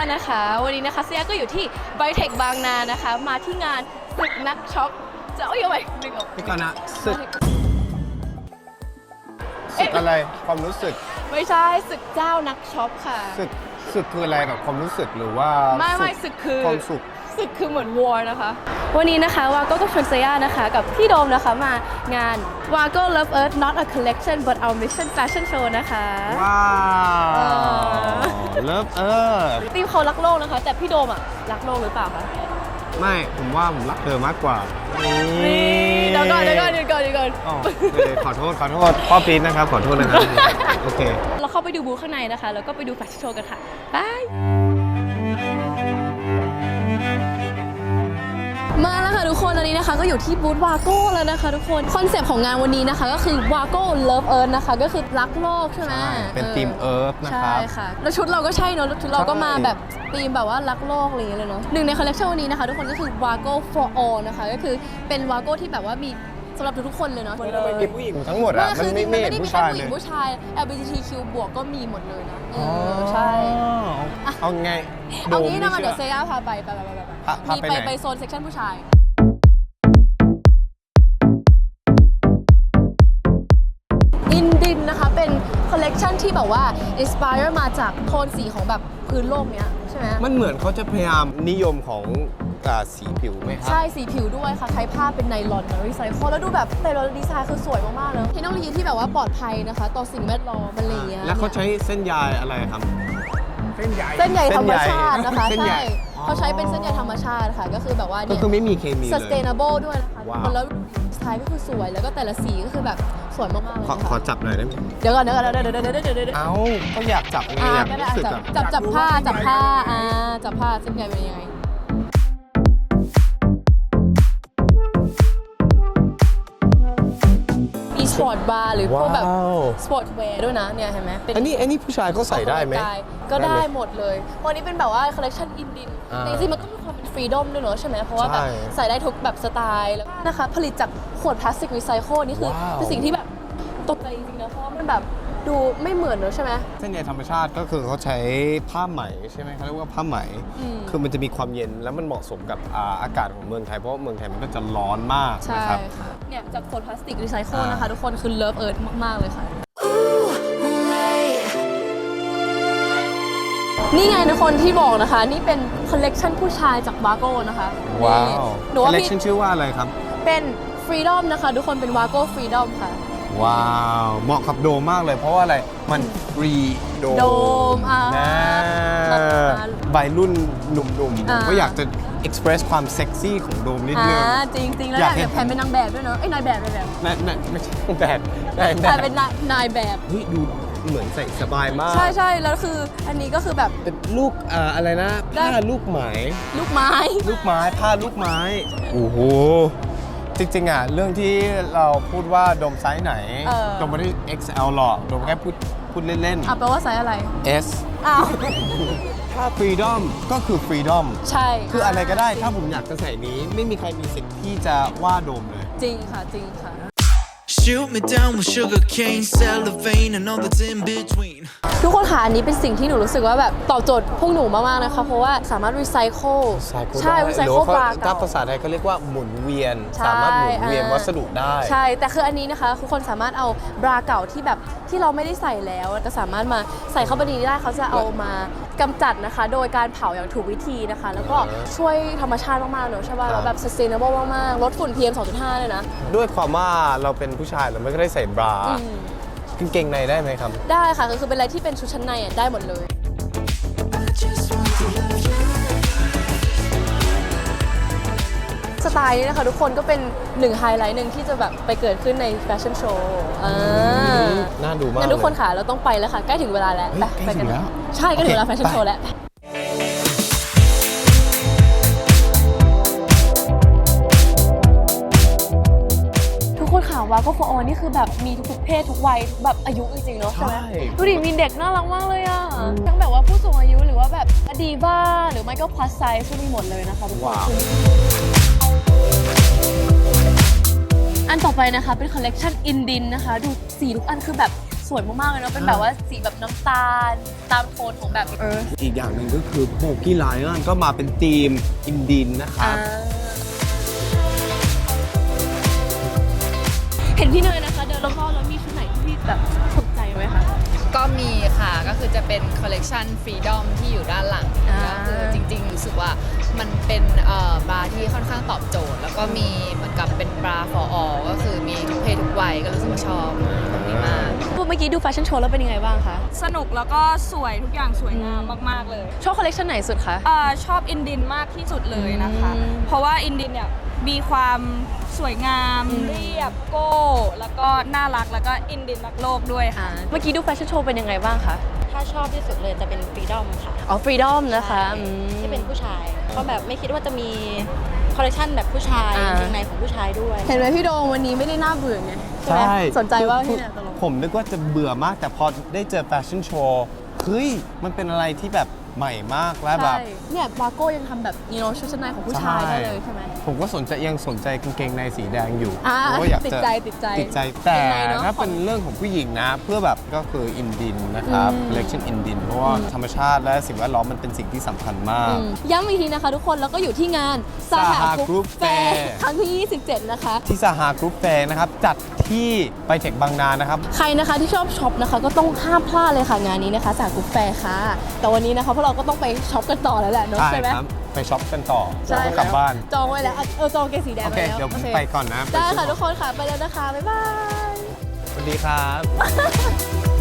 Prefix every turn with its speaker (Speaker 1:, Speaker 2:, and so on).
Speaker 1: นะคะวันนี้นะคะเซียก็อยู่ที่ไบเทคบางนานะคะมาที่งานศึกนักช็อปจะเอาอย่างไรดึงออก
Speaker 2: พี่ก่อนนะศึกอะไรความรู้สึก
Speaker 1: ไม่ใช่ศึกเจ้านักช็อปค่ะ
Speaker 2: ศึกคืออะไรแบบความรู้สึกหรือว่า
Speaker 1: ไม่ศึกคือ
Speaker 2: ความสุข
Speaker 1: ศึกคือเหมือนวอร์นะคะวันนี้นะคะวาโก้กับชวนเซียนะคะกับพี่โดมนะคะมางาน Wago Love Earth Not a Collection but Our Mission Fashion Show นะคะ
Speaker 2: ว้าวเลิฟ
Speaker 1: ทีมเขารักโลกนะคะแต่พี่โดมอ่ะรักโลกหรือเปล่าคะ
Speaker 2: ไม่ผมว่าผมรักเธอมากกว่า
Speaker 1: เดี๋ยวก่อน
Speaker 2: ขอโทษพ่อปี๊ดนะครับขอโทษนะครับโอเค
Speaker 1: เราเข้าไปดูบูธข้างในนะคะแล้วก็ไปดูแฟชั่นโชว์กันค่ะบายมาแล้วค่ะทุกคนตอนนี้นะคะก็อยู่ที่บูธวาโก้แล้วนะคะทุกคนคอนเซปต์ของงานวันนี้นะคะก็คือวาโก้ Love Earth นะคะก็คือรักโลกใช่ไหม
Speaker 2: เป็นทีมเอิร์ธนะครับ
Speaker 1: ใช่ค่ะแล้วชุดเราก็ใช่เนอะชุดเราก็มาแบบธีมแบบว่ารักโลกอะไรอย่างเงี้ยเลยเนาะหนึ่งในคอลเลคชันวันนี้นะคะทุกคนก็คือ Wago for all นะคะก็คือเป็น Wago ที่แบบว่ามีสำหรับทุกๆคนเลยเนาะ
Speaker 2: มันมีผู้หญิงทั้งหมดอ่ะมันไม่ได้มีแค่
Speaker 1: ผู้ชาย LGBTQ บวกก็มีหมดเลยนะใช่
Speaker 2: เอาไง
Speaker 1: เอางี้นะเดี๋ยวเซียพาไปมีไปโซนเซ็กชันผู้ชายอินดินนะคะเป็นคอลเลกชันที่แบบว่าอินสปายมาจากโทนสีของแบบพื้นโลกเนี้ยใช่ไหม
Speaker 2: มันเหมือนเขาจะพยายามนิยมของสีผิวไหมครับ
Speaker 1: ใช่สีผิวด้วยค่ะใช้ผ้าเป็นไนลอนรีไซเคิลแล้วดูแบบแต่ละดีไซน์คือสวยมากๆเลยเทคโนโลยีที่แบบว่าปลอดภัยนะคะต่อสิ่งแวดล้อมอะไรอย่างเงี้ย
Speaker 2: แล้วเขาใช้เส้นใยอะไรครับ
Speaker 1: เส้นใยธรรมชาตินะคะใช่เขาใช้เป็นเส้นใยธรรมชาติค่ะก็คือแบบว่า
Speaker 2: เนี่ยก็คือไม่มีเคมีเลย
Speaker 1: sustainable ด้วยนะคะแล้วดีไซน์ก็คือสวยแล้วก็แต่ละสีก็คือแบบสวยมากๆเลย
Speaker 2: ขอจับหน่อยได้ไหม
Speaker 1: เดี๋ยวก่อน
Speaker 2: เอ้าก็อยากจับไงอยากรู้สึก
Speaker 1: จับผ้าจับผ้าเส้นใยเป็นยังไงมีสปอร์ตบาร์หรือพวกแบบสปอร์ตแวร์ด้วยนะเนี่ยเห็นไหม
Speaker 2: อันนี้ผู้ชายเขาใส่ได้ไหม
Speaker 1: ก็ได้หมดเลยวันนี้เป็นแบบว่าคอลเลคชันอินดินจริงๆมันก็มีความเป็นฟรีดอมด้วยเนอะใช่ไหมเพราะว่าแบบใส่ได้ทุกแบบสไตล์แล้วนะคะผลิตจากขวดพลาสติกรีไซเคิลนี่คือเป็นสิ่งที่แบบตกใจจริงๆนะเพราะมันแบบดูไม่เหมือนเนอะใช่ไหม
Speaker 2: เส้นใยธรรมชาติก็คือเขาใช้ผ้าไหมใช่ไหมเขาเรียกว่าผ้าไหมคือมันจะมีความเย็นแล้วมันเหมาะสมกับอากาศของเมืองไทยเพราะว่าเมืองไทยมันก็จะร้อนมากนะครับ
Speaker 1: เนี่ยจากขวดพลาสติกรีไซเคิลนะคะทุกคนคือเลิฟเอิร์ธมากๆเลยค่ะนี่ไงทุกคนที่บอกนะคะนี่เป็นคอลเลกชันผู้ชายจากวาโก้นะคะ
Speaker 2: ว้าวคอลเลกชันชื่อว่าอะไรครับ
Speaker 1: เป็นฟรีดอมนะคะทุกคนเป็นวาโก้ฟรีดอมค่ะ
Speaker 2: ว้าวเหมาะกับโดมมากเลยเพราะว่าอะไรมันฟรีโดมนะใบรุ่นหนุ่มๆก็อยากจะเอ็กซ์เพรสความเซ็กซี่ของโดมนิดนึง
Speaker 1: จริงๆแล้วแบบแพนเป็นนางแบบด้วยเนาะนายแบบ
Speaker 2: ไม่ใช่แบบ
Speaker 1: เป็นนายแบบ
Speaker 2: เฮ้ยดูเหมือนใส่สบายมาก
Speaker 1: ใช่แล้วคืออันนี้ก็คือแบบ
Speaker 2: เป็นลูกอะไรนะผ้าลูกไม้ผ้าลูกไม้โอ้โหจริงๆเรื่องที่เราพูดว่าโดมไซส์ไหนโดมไม่ได้ XL หรอกโดมแค่พูดเล่น
Speaker 1: ๆแปลว่าไซส์อะไร
Speaker 2: S ถ้า Freedom ก็คือ Freedom
Speaker 1: ใช่
Speaker 2: คืออะไรก็ได้ถ้าผมอยากจะใส่นี้ไม่มีใครมีสิทธิ์ที่จะว่าโดมเลย
Speaker 1: จริงค่ะ
Speaker 3: Shoot me down with sugar cane, cellophane, and all that's in between.
Speaker 1: ทุกคนค่ะอันนี้เป็นสิ่งที่หนูรู้สึกว่าแบบตอบโจทย์พวกหนูมากๆนะคะเพราะว่าสามารถรีไซเคิลใช่รีไซเคิลปลา
Speaker 2: ถ้าภาษาไทยเขาเรียกว่าหมุนเวียนสามารถหมุนเวียนวัสดุได้
Speaker 1: ใช่แต่คืออันนี้นะคะทุกคนสามารถเอาบราเก่าที่แบบที่เราไม่ได้ใส่แล้วก็สามารถมาใส่เข้าไปในนี้ได้เขาจะเอามากำจัดนะคะโดยการเผาอย่างถูกวิธีนะคะแล้วก็ช่วยธรรมชาติมากๆเนอะใช่ป่ะแล้วแบบ sustainable มากๆลดฝุ่น PM 2.5 เลยนะ
Speaker 2: ด้วยความว่าเราเป็นผู้ชายเราไม่ได้ใส่บรากางเกงในได้ไหมครับ
Speaker 1: ได้ค่ะคือเป็นอะไรที่เป็นชุดชั้นในได้หมดเลยสไตล์นี้นะคะทุกคนก็เป็นหนึ่งไฮไลท์หนึ่งที่จะแบบไปเกิดขึ้นในแฟชั่นโชว์
Speaker 2: น่าดูมาก
Speaker 1: งั้นทุกคนค่ะเราต้องไปแล้วค่ะใกล้ถึงเวลาแล้ว
Speaker 2: ไปกันแล้ว
Speaker 1: ใช่ใกล้ถึงเวลาแฟชั่นโชว์แล้ววาโก้ for all นี่คือแบบมีทุกเพศทุกวัยแบบอายุจริงๆเนาะใช่ไหมดูดิมีเด็กน่ารักมากเลยอ่ะทั้งแบบว่าผู้สูงอายุหรือว่าแบบดีบ้าหรือไม่ก็ plus size ก็มีหมดเลยนะคะทุกคนอันต่อไปนะคะเป็นคอลเลกชันอินดินนะคะดูสีทุกอันคือแบบสวยมากๆเลยเนาะเป็นแบบว่าสีแบบน้ำตาลตามโทนของแบบ
Speaker 2: อีกอย่างหนึ่งก็คือโบกี้ไลออนก็มาเป็นธีมอินดินนะครับ
Speaker 1: เห็นพี่เนยนะคะเดินรอบๆแล้วมีชุดไหนที่พี่แบบถูกใจไหมคะ
Speaker 4: ก็มีค่ะก็คือจะเป็นคอลเลกชันฟรีดอมที่อยู่ด้านหลังก็คือจริงๆรู้สึกว่ามันเป็นบราที่ค่อนข้างตอบโจทย์ แล้วก็มีเหมือนกับเป็นบรา for all ก็คือมีทุกเพศทุกวัยก็รู้สึกว่าชอบตรงนี้มาก
Speaker 1: เมื่อกี้ดูแฟชั่นโชว์แล้วเป็นยังไงบ้างคะ
Speaker 5: สนุกแล้วก็สวยทุกอย่างสวยงามมากๆเลย
Speaker 1: ชอบคอลเลคชันไหนสุดคะ
Speaker 5: ชอบอินดินมากที่สุดเลยนะคะ
Speaker 1: อืม
Speaker 5: เพราะว่าอินดินเนี่ยมีความสวยงามเรียบโก้ แล้วก็น่ารักแล้วก็อินดินรักโลกด้วยค่ะ
Speaker 1: เมื่อกี้ดูแฟชั่นโชว์เป็นยังไงบ้างคะ
Speaker 6: ถ้าชอบที่สุดเลยจะเป็นฟรีดอมค่ะ
Speaker 1: อ๋อฟรีดอมนะคะอืม
Speaker 6: ที่เป็นผู้ชายเพราะแบบไม่คิดว่าจะมีคอลเลคชันแบบผู้ชาย
Speaker 1: อ่า
Speaker 6: กางเกงในของผู้ชายด้วย
Speaker 1: เห็นไหมพี่โดมวันนี้ไม่ได้น่าเบื่อไงใช่ไหมสนใจว่าพี่เนี่ยตลก
Speaker 2: ผมนึกว่าจะเบื่อมากแต่พอได้เจอแฟชั่นโชว์เฮ้ยมันเป็นอะไรที่แบบใหม่มากและแบบ
Speaker 1: ใช่เนี่ยบาโก้ยังทำแบบชุดชั้นในของผู้ชายได้เลยใช่ไหม
Speaker 2: ผมก็ยังสนใจกางเกงในสีแดงอยู่
Speaker 1: อ่า
Speaker 2: เพราะว่าอยาก
Speaker 1: ติด
Speaker 2: จะ
Speaker 1: ใจ
Speaker 2: ติดใจแต่
Speaker 1: ยังไงเนอะ
Speaker 2: ถ้าเป็นเรื่องของผู้หญิงนะ เพื่อแบบก็คืออินดินนะครับ collection อินดินเพราะว่าธรรมชาติและสิ่งแวดล้อมมันเป็นสิ่งที่สำคัญมาก
Speaker 1: ย้ำอีกทีนะคะทุกคนแล้วก็อยู่ที่งาน
Speaker 2: Saha
Speaker 1: ก
Speaker 2: Group
Speaker 1: รุ๊ปแฟ
Speaker 2: Fair
Speaker 1: ร์ครั้งที่ 27 นะคะ
Speaker 2: ที่สหากรุ๊ปแฟร์นะครับ จัดที่ไปเทคบางนานะครับ
Speaker 1: ใครนะคะที่ชอบช็อปนะคะก็ต้องห้ามพลาดเลยค่ะงานนี้นะคะจากกรุ๊ปแฟร์ค่ะ แต่วันนี้นะคะพวกเราก็ต้องไปช็อปกันต่อแล้วแหละเนอะใช่ไหม
Speaker 2: ครับ ไปช็อปกันต่อ
Speaker 1: ใช่
Speaker 2: แล้วก็กลับบ้าน
Speaker 1: จองไว้แล้วจองเกงสีแดง
Speaker 2: โอ
Speaker 1: ไว้
Speaker 2: เค
Speaker 1: แล้ว
Speaker 2: เดี๋ยวผม
Speaker 1: โอ
Speaker 2: ไปก่อนนะ
Speaker 1: ได้
Speaker 2: ไปซื้อ
Speaker 1: ค่ะทุกคนค่ะไปแล้วนะคะบ๊ายบาย
Speaker 2: สวัสดีครับ